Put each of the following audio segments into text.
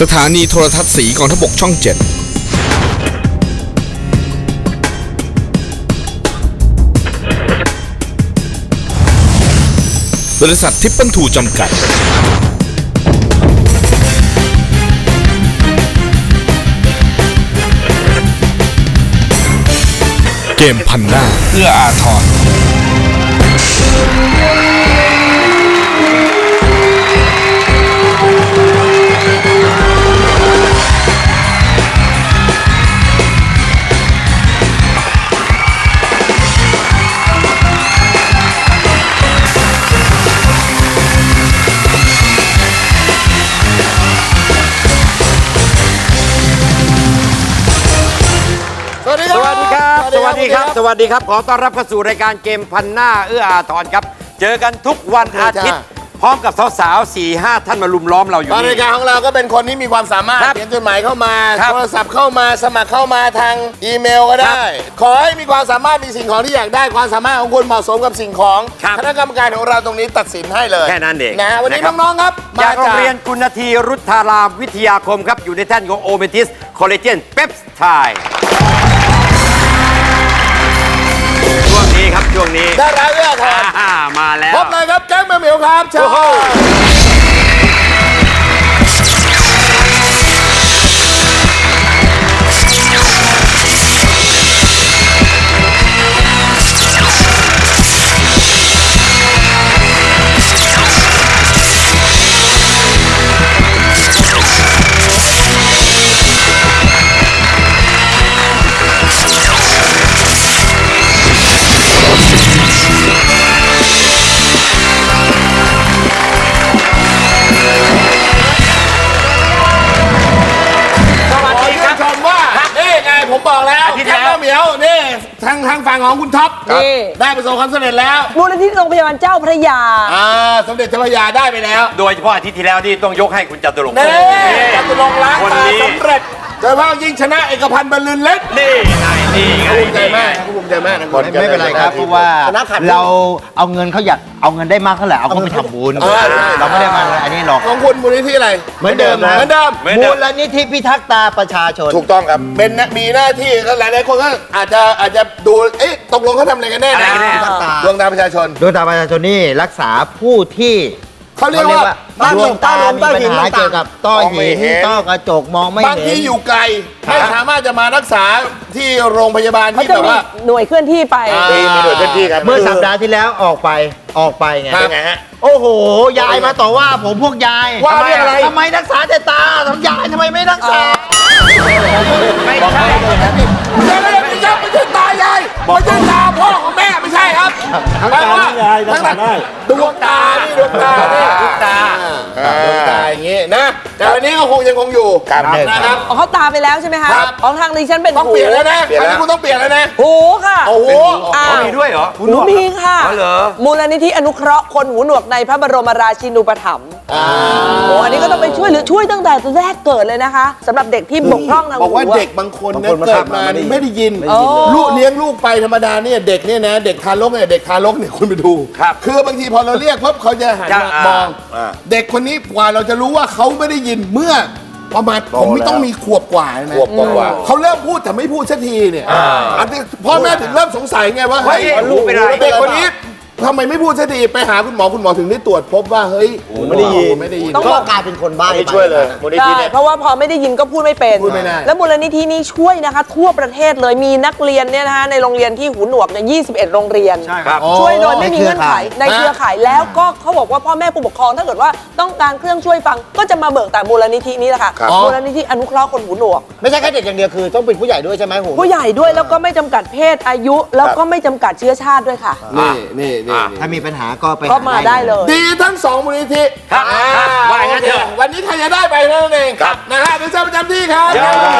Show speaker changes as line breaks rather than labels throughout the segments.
สถานีโทรทัศน์สีกองทพบกช่อง 7บริษัททิปเปิลทูจำกัดเกมพันหน้าเอื้ออาทร
สวัสดีครับขอต้อนรับเข้าสู่รายการเกมพันหน้าเอื้ออาทรครับเจอกันทุกวันอาทิตย์พร้อมกับสาวๆ 4-5 ท่านมาลุมล้อมเราอยู่
รายการของเราก็เป็นคนที่มีความสามารถเขียนจดหมายเข้ามาโทรศัพท์เข้ามาสมัครเข้ามาทางอีเมลก็ได้ขอให้มีความสามารถมีสิ่งของที่อยากได้ความสามารถของคุณเหมาะสมกับสิ่งของคณะกรรมการของเราตรงนี้ตัดสินให้เลย
แค่นั้นเอง
นะวันนี้น้องๆครับ
จากโรงเรียนกุณทีรุทธารามวิทยาคมครับอยู่ในแท่นของโอเมทิสคอลเลเจนเปปไทด์ช่วงนี้
ได้แล้วเอื้อทร
มาแล้ว
พบเลยครับแก๊งแมวเหมียวครับเชิผมบอกแล้วแก๊งแมวเหมียวนี่ทางฝั่งของคุณท็อปได้ประสบความสำเร็จแล้ว
มูลนิธิโรงพยาบาลเจ้าพระยา
สมเด็จเจ้าพระยาได้ไปแล้ว
โดยเฉพาะอาทิตย์ที่แล้วนี่ต้องยกให้คุณจตุรงค์
จตุรงค์ล้างตาสำเร็จโดยเฉพาะยิ่งชนะเอกพันธ์บรรลือฤทธิ์
นี่ไง
ภูมิใจมากภูมิใจมาก
ไม่เป็นไรครับเพราะว่าเราเอาเงินเขาอยากเอาเงินได้มากเท่าไหร่เอาเขาไปทำบุญเราไม่ได้มาอันนี้หรอก
ของคุณมูลนิธิอะไร
เหมือนเดิมนะ
เหมือนเดิม
มูลนิธิพิทักษ์ตาประชาชน
ถูกต้องครับเป็นมีหน้าที่ก็หลายคนก็อาจจะดูตกลงเขาทำอะไรกันแน่นะดวงตาประชาชน
ดวงตาประชาชนนี่รักษาผู้ที่
เขาเรียกว่า
ดวงตามีปัญหาเกี่ยวกับต้อหินต้อกระจกมองไม่เห็น
บางทีอยู่ไกลไม่สามารถจะมารักษาที่โรงพยาบาลที่แบบว่า
หน่วยเคลื่อนที่ไป
มีหน่วยเคลื่อนที่ครับ
เมื่อสัปดาห์ที่แล้วออกไปไง
เป็นไงฮะ
โอ้โหยายมาต่อว่าผมพวกยาย
ว่าเรื่องอะไร
ทำไมรักษาแต่ตาทำยายทำไมไม่รักษา
ไม่ใช่ไม่ใช่ตายายไม่ใช่ตาพ่อของแม่ไม่ใช่ครับ
ทั้งตาทั้งยายรักษาได้
ดวงตานี่ดวงตาอย่างงี้นะแต่วันนี้ก็ยังคงอยู่
นะครับเขาตาไปแล้วใช่ไหมคะของทางดิฉันเป็น
ต้องเปลี่ยนแล้วนะอันนี้คุณต้องเปลี่ยนแล้วนะ
หูค่ะ
โอ้โห
มีด้วยเหรอ
หูมีค่ะมูลนิธิอนุเคราะห์คนหูหนวกในพระบรมราชินูปถัมภ์อันนี้ก็ต้องไปช่วยตั้งแต่แรกเกิดเลยนะคะสำหรับเด็กที่บกพร่องทางหู
บอกว่าเด็กบางคนเนี่ยเกิดมาไม่ได้ยินลูกเลี้ยงลูกไปธรรมดาเนี่ยเด็กเนี่ยนะเด็กทารกเนี่ยคุณไปดูคือบางทีพอเราเรียกปุ๊บเขาจะหันมามองเด็กคนนี้กว่าเราจะรู้ว่าเขาไม่ได้ยินเมื่อประมาณผมไม่ต้องมีขวบกว่านะเขาเริ่มพูดแต่ไม่พูดสักทีเนี่ยอันนี้พ่อแม่ถึงเริ่มสงสัยไงว่าเฮ้ยเด็กคนนี้ทำไมไม่พูดสักทีไปหาคุณหมอถึงได้ตรวจพบว่าเฮ้ยไม่ได้ยิน
ต้องกลายเป็นคนบ้า
ช่วยเลย
ใช่เพราะว่าพอไม่ได้ยินก็พูดไม่เป็นแล้วมูลนิธินี้ช่วยนะคะทั่วประเทศเลยมีนักเรียนเนี่ยนะคะในโรงเรียนที่หูหนวกเนี่ย21 โรงเรียนช่วยโดยไม่มีเงื่อนไขในเครือข่ายแล้วก็เขาบอกว่าพ่อแม่ผู้ปกครองถ้าเกิดว่าต้องการเครื่องช่วยฟังก็จะมาเบิกแต่มูลนิธินี้แหละค่ะมูลนิธิอนุเคราะห์คนหูหนวก
ไม่ใช่แค่เด็กอย่างเดียวคือต้องเป็นผู้ใหญ่ด้วยใช่ไหม
ผู้ใหญ่ด้วยแล้วก็ไม่จำกัดเพศอายุแล้วก็ไม่จำกัดเชื้อชาติด้วยค่ะ
นี่
ถ้ามีปัญหาก็ไป
มาได้เลย
ดีทั้ง2มูลนิธิ
ครับว่างั้นเถอะ
วันนี้ใครจะได้ไปนั่นเองนะฮะเดี๋ยวเชิญประจำที่ครับ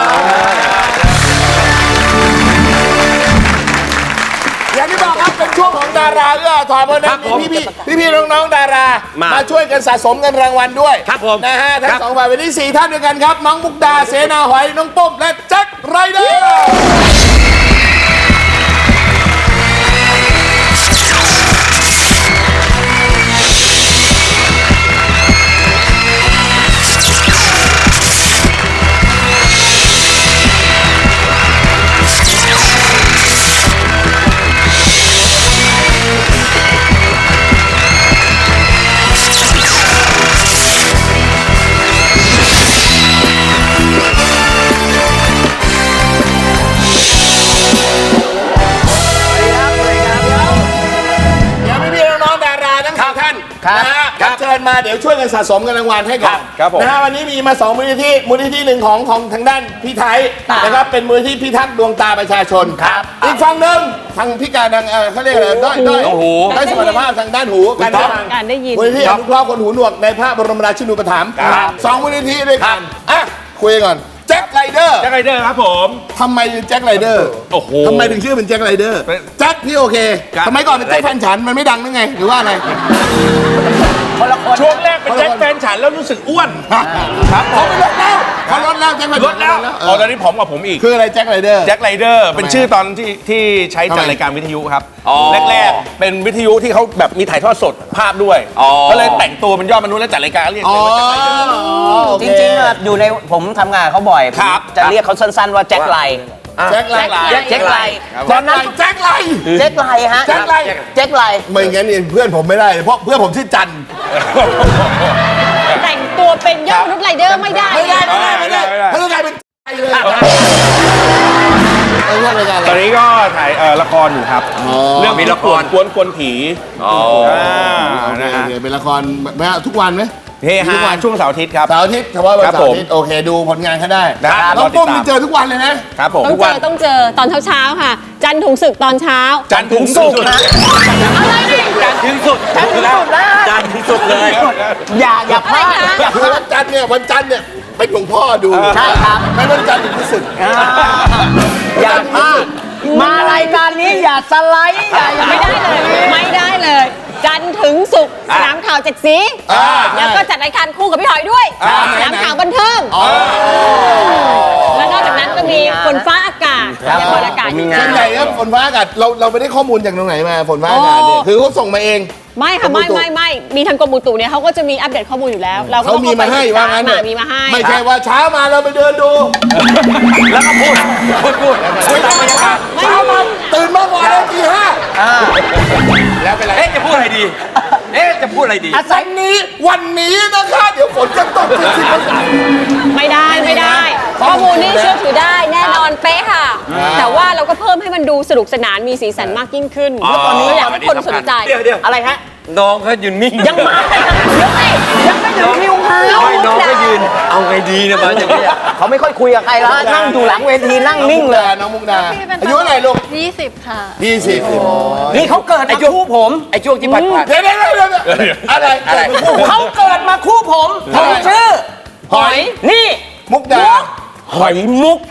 อย่างที่บอกครับเป็นช่วงของดาราเอื้ออาทรเพราะนั้นพี่น้องๆดารามาช่วยกันสะสมเงินรางวัลด้วยนะฮะทั้ง2ฝ่ายวันนี้4ท่านด้วยกันครับน้องมุกดาเสนาหอยน้องปุ้มและแจ็คไรเดอร์มาเดี๋ยวช่วยกันสะสมเงินรางวัลให้กัน
ครับผม
นะฮะวันนี้มีมา2มูลนิธิมูลนิธิหนึ่งของทางด้านพี่ไทยนะครับเป็นมูลนิธิพิทักษ์ดวงตาประชาชนครับอีกฝั่งหนึ่งทางพิการทางเขาเรียกอะไรด้อยสมรรถภาพทางด้านหูการได้ยินมูลนิธิอนุเคราะห์คนหูหนวกในพระบรมราชินูปถัมภ์2มูลนิธิด้วยกันอ่ะคุยก่อนแจ็คไรเดอร์
แจ็คไรเดอร์ครับผม
ทำไมถึงแจ็คไรเดอร์
โอ้โห
ทำไมถึงชื่อเป็นแจ็คไรเดอร์ แจ็คพี่โอเค
ครับ
ทำไมก่อนเป็นแจ็คแฟนฉันมันไม่ดังนึกไง หรือว่าอะไร
ช่วงแรกเป็นแจ็คแฟนฉันแล้วรู้สึกอ้วน
ครับเขาไปลดแล้วเขาลดแล้วแจ็คแฟน
ล
ฉั
ด
น
แล้วอ๋อตอนนี้ผอมกว่าผมอีก
คืออะไรแจ็คไรเดอร์
แจ็คไรเดอร์เป็นชื่อตอนที่ใช้จัดรายการวิทยุครับ แรกๆเป็นวิทยุที่เขาแบบมีถ่ายทอดสดภาพด้วย ก็เลยแต่งตัวเป็นยอดมนุษย์แล้วจัดรายการเรียกเลยว่าแจ็คไรเดอร์
จริงๆอะอยู่ในผมทำงานเขาบ่อย
ครับ
จะเรียกเขาสั้นๆว่าแจ็คไล
แจ็คไร
แจ็คไล
ตอนนั้นแจ็คไร
แจ็คไลฮะ
แจ็คไร
แจ็คไล
ไม่งั้นเนี่ยเพื่อนผมไม่ได้เพราะเพื่อนผมชื่อจัน
แต่งตัวเป็นยอดมนุษย์ไรเดอร์ไม่ได้
ไม่ได้เขาต้องกลายเป็นใจเลยเรื่องอะไรกัน
ตอนนี้ก็ถ่ายละครอยู่ครับ เรื่อง
มีละคร
กวนผีนะฮะ
เป็นละครทุกวันไหม
เฮฮาช่วงเสาร์อาทิตย์ครับ
เสาร์อาทิตย์เฉพาะวัน
ครับ
เสาร์อาทิตย์โอเคดูผลงานเขาได้
ครับ
น้อง
รอติด
ปุ้ม
ตาม
นี่เจอทุกวันเลยนะครับ
ผม
ต้องเจอตอนเช้าๆค่ะ จันทร์ถุงศึกตอนเช้า
จันทร์ถึงศุกร์นะ
จันทร์ถึงสุดจันทร์ถึงสุดจันทร์ถึงสุดเลย
อย่าพลาด
คือวันจันทร์เนี่ยเป็นหลวงพ่อดู
ใช่ครับ
ไม่วันจันทร์ถึงรู้สึก
อย่าพลาดมารายการนี้อย่าสไลด์อย่า
ไม่ได้เลย ไม่ได้เลย จันทร์ถึงศุกร์สนามข่าว7สี แล้วก็จัดรายการคู่กับพี่หอยด้วย สนามข่าวบันเทิง แล้วนอกจากนั้นก็มีฝนฟ้าอากาศยังฝนอากาศอยู่
ส่วนใหญ่ครับฝนฟ้าอากาศเราไม่ได้ข้อมูลจากตรงไหนมาฝนฟ้าอากาศเนี่ยคือเขาส่งมาเอง
ไม่ค่ะไม่มีทางกรมอุตุเนี่ยเขาก็จะมีอัปเดตข้อมูลอยู่แล้ว เราก็
เขามีมาให้ว่างั้น
เถ
เนี่ย
มีมาให้
ไม่ใช่ว่าเช้ามาเราไปเดินดู
แล้วก็พูดตามบรรยากาศ
เช้ามาตื่นมาก่อนเลยตี 5แล้วเป็นไร
เอ๊ะจะพูดอะไรดี จะพูดอะไรดี
วันนี้นะคะเดี๋ยวฝนจะตก10%
ไม่ได้ข้อมูลนี่เชื่อถือได้แน่นอนเป๊ะค่ะ แต่ว่าเราก็เพิ่มให้มันดูสนุกสนานมีสีสันมากยิ่งขึ้นแล้วตอนนี้อยากให้คนสนใจ
เดี๋ยว
อะไรฮะ
น้องเขายืนนิ่ง
ยังมาเดี๋ยวสิยังไม่ถึงคิวเขา
ไม่น้องก็ยืน เอาไงดีเนี่ยมาอย่างนี้ย
เขาไม่ค่อยคุยกับใครแล้วนั่งอยู่หลังเวทีนั่งนิ่งเลย
น้องมุกดาอายุเท่าไหร่ลูก
20 ค่ะ
20
นี่เขาเกิดมาคู่ผม
ไอ้ช่วงที่ผ่าน
เดี๋ยวอะไรคู่
เขาเกิดมาคู่ผมผมชื่อ
หอย
นี่
มุกดา
หอยมุก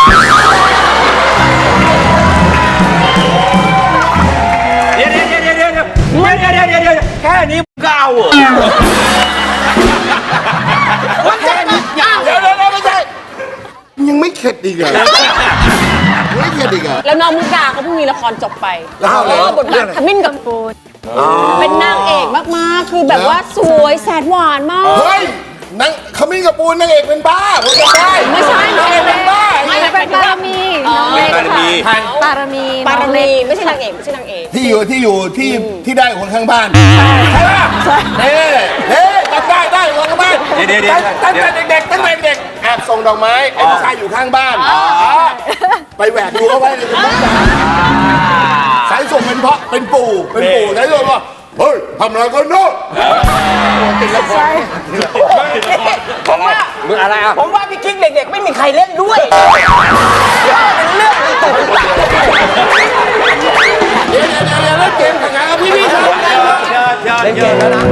เดี๋ยวแค่นี้ก็เอาเหรอ
เดี๋ยวไม่ใช่ยังไม่เข็ดอีกเหรอไม่เข็ดอีกเหรอ
แล้วน้องมุกดาเขาเพิ่งมีละครจบไป
แล้วอะไร
บทบาทขมิ้นกับปูนเป็นนางเอกมากๆ คือแบบว่าสวยแสนหวานมาก
เฮ้ยนังขมิ้นกับปูนนางเอกเป็นบ้าผมจำได้
ไม่ใช่
นางเอกเป็นบ้า
ไม่เป็นปารมี
บารมี
ปารมีไม่ใช่นางเอกไม่ใช่นางเอก
ที่ที่ได้คนข้างบ้านใช่ป่ะเน่จำได้คนข้างบ้าน
เดี๋ยว
ตั้งแต่เด็กแอบส่งดอกไม้ไอ้ผู้ชายอยู่ข้างบ้านไปแหวกดูเอาไว้เลยสายส่งเป็นปู่สายส่งว่าเฮ้ยทำอะไรกันเนาะติดละคร
ผมว่า
มึงอะไรอ่ะ
ผมว่าพี่กิ๊กเด็กๆ ไม่มีใครเล่นด้วยเป็นเรื่องตุ่น
เดี๋ยวเล่นเกมแข่งขันกับพี่ครับ
เล่นเกมแล้วนะ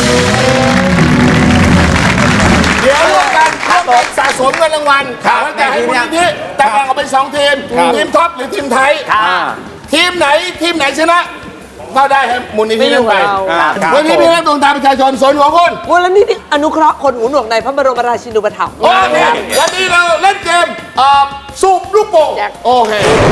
เดี๋ยวร่วมกันสะสมเงินรางวัลแล้วแต่ให้มูลนิธิแต่แบ่งออกเป็น2 ทีมทีมท็อปหรือทีมไทยทีมไหนชนะก็ได้ให้มูลนิธิเล่นไปวันนี้พี่นักดวงตาประชาชนสนหัวคน
มูลนิธิอนุเคราะห์คนหูหนวกในพระบรมราชินูปถัมภ์
โอเควันนี้เราเล่นเกมสูบลูกโป่งโอเค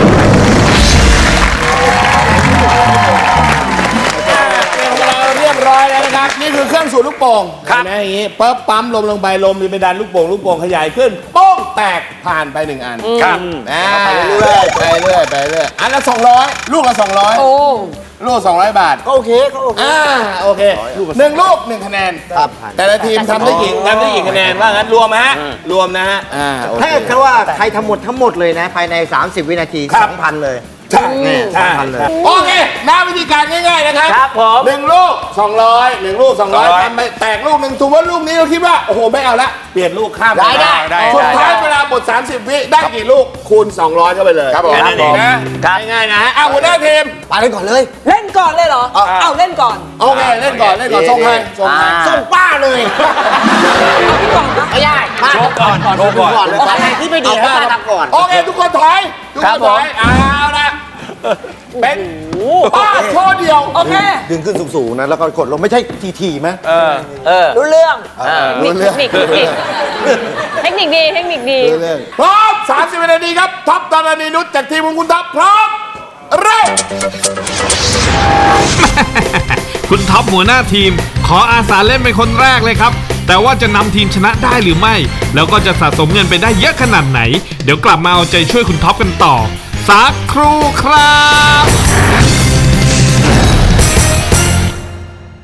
เราเรียบร้อยแล้วนะครับนี่คือเครื่องสูบลูกโป่งนะอย่างนี้ปั๊บปั๊มลมลงไปลมจะไปดันลูกโป่งขยายขึ้นโป้งแตกผ่านไป1 อันครับไปเรื่อยอันละ200ลูกละ200
โอ้
ลูก200 บาทก็โอเคโอเค1 ลูก 1 คะแนนแต่ละทีมทำได้กี่คะแนนว่างั้นรวมนะฮะโอเค
ถ้าเกิดว่าใครทำหมดทั้งหมดเลยนะ ภายใน 30 วินาที 2,000 เลย
ใช่
สำคัญเลย
โอเคน้าวิธีการง่ายๆนะครับ
ครับผม
1 ลูก 200 1 ลูก 200ทำไปแตกลูกหนึ่งถือว่าลูกนี้เราคิดว่าโอ้โหไม่เอาละเปลี่ยนลูกข้าม
ได้
สุดท้ายเวลาหมด30 วิได้กี่ลูกคูณ 200เข้าไปเลยครับผม
แค่นั้นเองนะ
ง่ายๆนะเอาหัวหน้าทีม
ไปเล่นก่อนเลย
เล่นก่อนเลยเหรอ เอาเล่นก่อน
โอเคเล่นก่อนส่งให้
ส่งป้าเลย
เอาพี่ก่อนนะ
ไม่ได้ป้า
โชว์ก่อนโชว์ก่อน
อะไรที่ไม่ดีให้ป้าทำก่อน
โอเคทุกคนถอยทุกคนถอยเอาละเป็นป้าโชว์เดียว
โอเค
ดึงขึ้นสูงๆนะแล้วก็กดลงไม่ใช่ทีๆไหม
รู้เรื่อง
เทคนิคดีเทคนิคดี
พร้อม 30 วินาทีครับท็อปตอนนี้นุชจากทีมของคุณท็อปพร้อมเริ่ม
คุณท็อปหัวหน้าทีม ขออาสาเล่นเป็นคนแรกเลยครับ แต่ว่าจะนำทีมชนะได้หรือไม่ แล้วก็จะสะสมเงินไปได้เยอะขนาดไหน เดี๋ยวกลับมาเอาใจช่วยคุณท็อปกันต่อสักครู่ครับ